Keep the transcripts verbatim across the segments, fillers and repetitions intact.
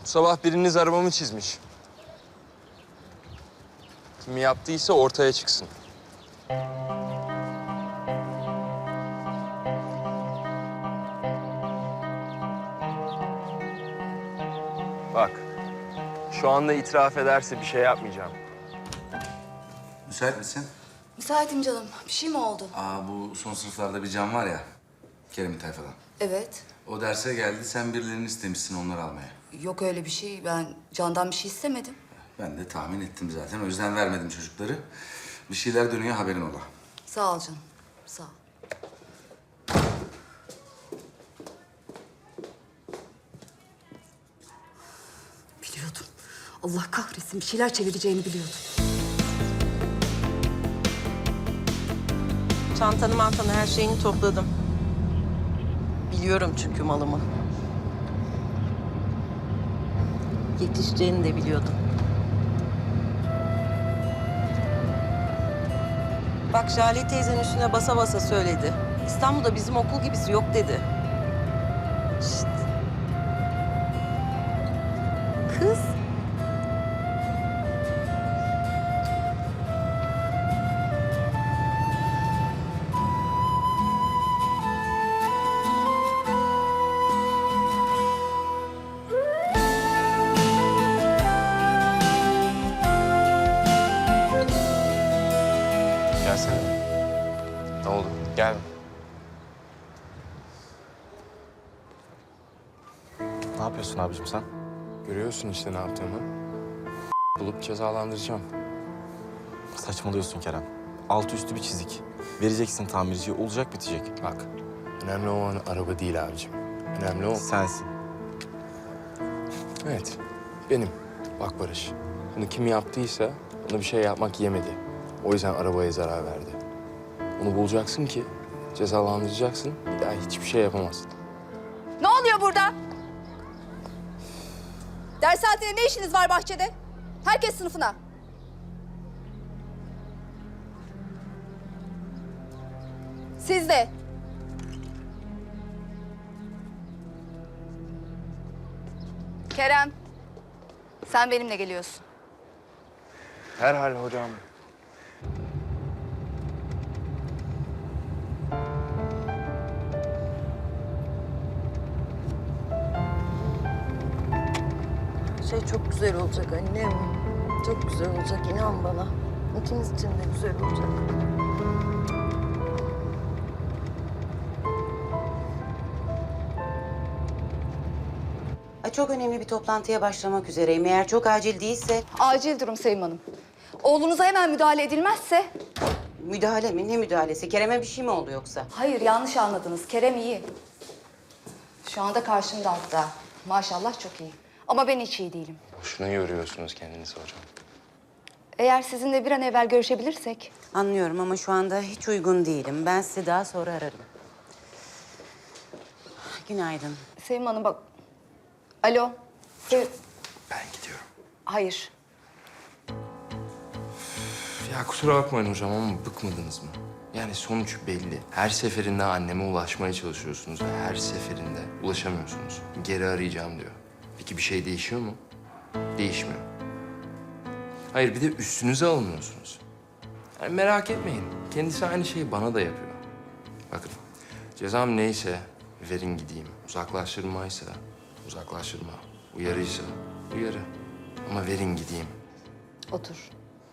Bu sabah biriniz arabamı çizmiş. Kim yaptıysa ortaya çıksın. Bak, şu anda itiraf ederse bir şey yapmayacağım. Müsait misin? Müsaitim canım. Bir şey mi oldu? Aa, bu son sınıflarda bir can var ya, Kerem'in tayfadan. Evet. O derse geldi, sen birilerini istemişsin onları almaya. Yok öyle bir şey. Ben Can'dan bir şey istemedim. Ben de tahmin ettim zaten, o yüzden vermedim çocukları. Bir şeyler dönüyor, haberin ola. Sağ ol canım. Sağ ol. Biliyordum. Allah kahretsin. Bir şeyler çevireceğini biliyordum. Çantanı mantanı her şeyini topladım. Biliyorum çünkü malımı. Yetişeceğini de biliyordum. Bak Jale teyzenin üstüne basa basa söyledi. İstanbul'da bizim okul gibisi yok dedi. Şşt. Kız. Gelsene. Ne oldu? Gel. Ne yapıyorsun abicim sen? Görüyorsun işte ne yaptığımı. Bulup cezalandıracağım. Saçmalıyorsun Kerem. Altı üstü bir çizik. Vereceksin tamirciye, olacak bitecek. Bak, önemli olan araba değil abicim. Önemli olan... Sensin. Evet, benim. Bak Barış, bunu kim yaptıysa ona bir şey yapmak yemedi. O yüzden arabaya zarar verdi. Onu bulacaksın ki cezalandıracaksın, bir daha hiçbir şey yapamazsın. Ne oluyor burada? Ders saatinde ne işiniz var bahçede? Herkes sınıfına. Siz de. Kerem, sen benimle geliyorsun. Herhal hocam. Şey çok güzel olacak annem. Çok güzel olacak, inan bana. İkimiz için de güzel olacak. Ay, çok önemli bir toplantıya başlamak üzereyim. Eğer çok acil değilse... Acil durum Sevim Hanım. Oğlunuza hemen müdahale edilmezse... Müdahale mi? Ne müdahalesi? Kerem'e bir şey mi oldu yoksa? Hayır, yanlış anladınız. Kerem iyi. Şu anda karşımda hatta. Maşallah çok iyi. Ama ben hiç iyi değilim. Boşuna yoruyorsunuz kendinizi hocam. Eğer sizinle bir an evvel görüşebilirsek... Anlıyorum ama şu anda hiç uygun değilim. Ben sizi daha sonra ararım. Günaydın. Sevim Hanım bak... Alo. Sev... Ben gidiyorum. Hayır. Ya kusura bakmayın hocam ama bıkmadınız mı? Yani sonuç belli. Her seferinde anneme ulaşmaya çalışıyorsunuz ve her seferinde ulaşamıyorsunuz. Geri arayacağım diyor. Peki bir şey değişiyor mu? Değişmiyor. Hayır bir de üstünüze alınıyorsunuz. Yani merak etmeyin. Kendisi aynı şeyi bana da yapıyor. Bakın cezam neyse verin gideyim. Uzaklaştırmaysa uzaklaştırma. Uyarıysa uyarı. Ama verin gideyim. Otur.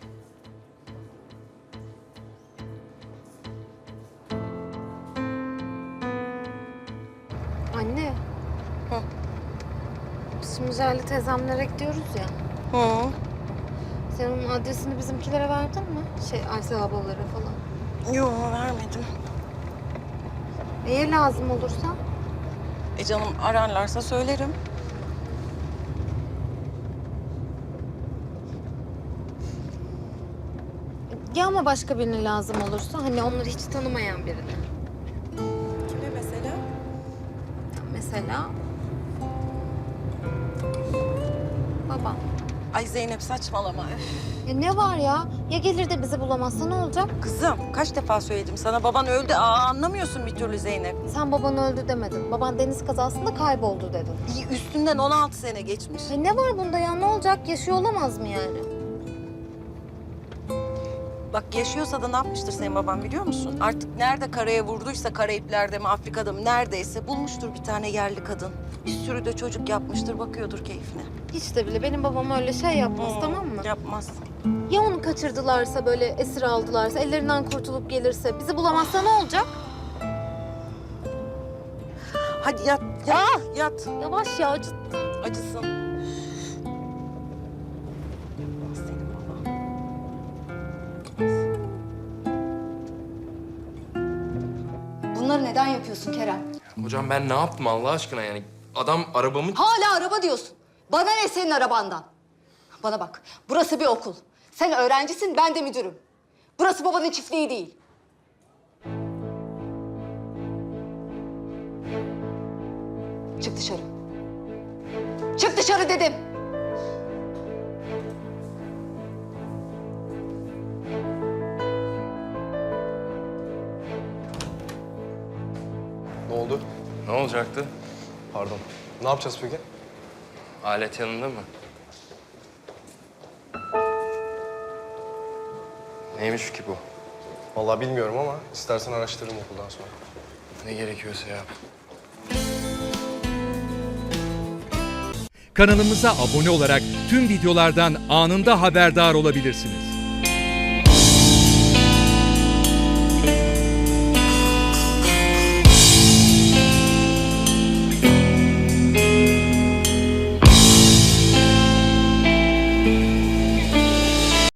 Anne. Biz şimdi Jale teyzemlere gidiyoruz ya. Hı. Sen onun adresini bizimkilere verdin mi? Şey Aysel ablalara falan. Yok vermedim. Neye lazım olursa? E canım ararlarsa söylerim. Ya ama başka birine lazım olursa? Hani onları hiç tanımayan birine. Kime mesela? Mesela... Babam. Ay Zeynep saçmalama. Üf. Ya ne var ya? Ya gelir de bizi bulamazsa ne olacak? Kızım kaç defa söyledim sana baban öldü. Aa, anlamıyorsun bir türlü Zeynep. Sen baban öldü demedin. Baban deniz kazasında kayboldu dedin. İyi, üstünden on altı sene geçmiş. Ya ne var bunda ya? Ne olacak? Yaşıyor olamaz mı yani? Bak yaşıyorsa da ne yapmıştır senin baban biliyor musun? Artık nerede karaya vurduysa Karayipler'de mi Afrika'da mı neredeyse bulmuştur bir tane yerli kadın. Bir sürü de çocuk yapmıştır bakıyordur keyfine. Hiç de bile benim babam öyle şey yapmaz, tamam mı? Yapmaz. Ya onu kaçırdılarsa, böyle esir aldılarsa, ellerinden kurtulup gelirse, bizi bulamazsa ne olacak? Hadi yat, yat, yat. Yavaş ya, acıttın. Acısın. Senin baban. Bunları neden yapıyorsun Kerem? Hocam ben ne yaptım Allah aşkına yani? Adam arabamı... Hala araba diyorsun. Bana ne senin arabandan? Bana bak, burası bir okul. Sen öğrencisin, ben de müdürüm. Burası babanın çiftliği değil. Çık dışarı. Çık dışarı dedim. Ne oldu? Ne olacaktı? Pardon. Ne yapacağız peki? Alet yanında mı? Neymiş ki bu? Vallahi bilmiyorum ama istersen araştırırım okuldan sonra. Ne gerekiyorsa yap. Kanalımıza abone olarak tüm videolardan anında haberdar olabilirsiniz.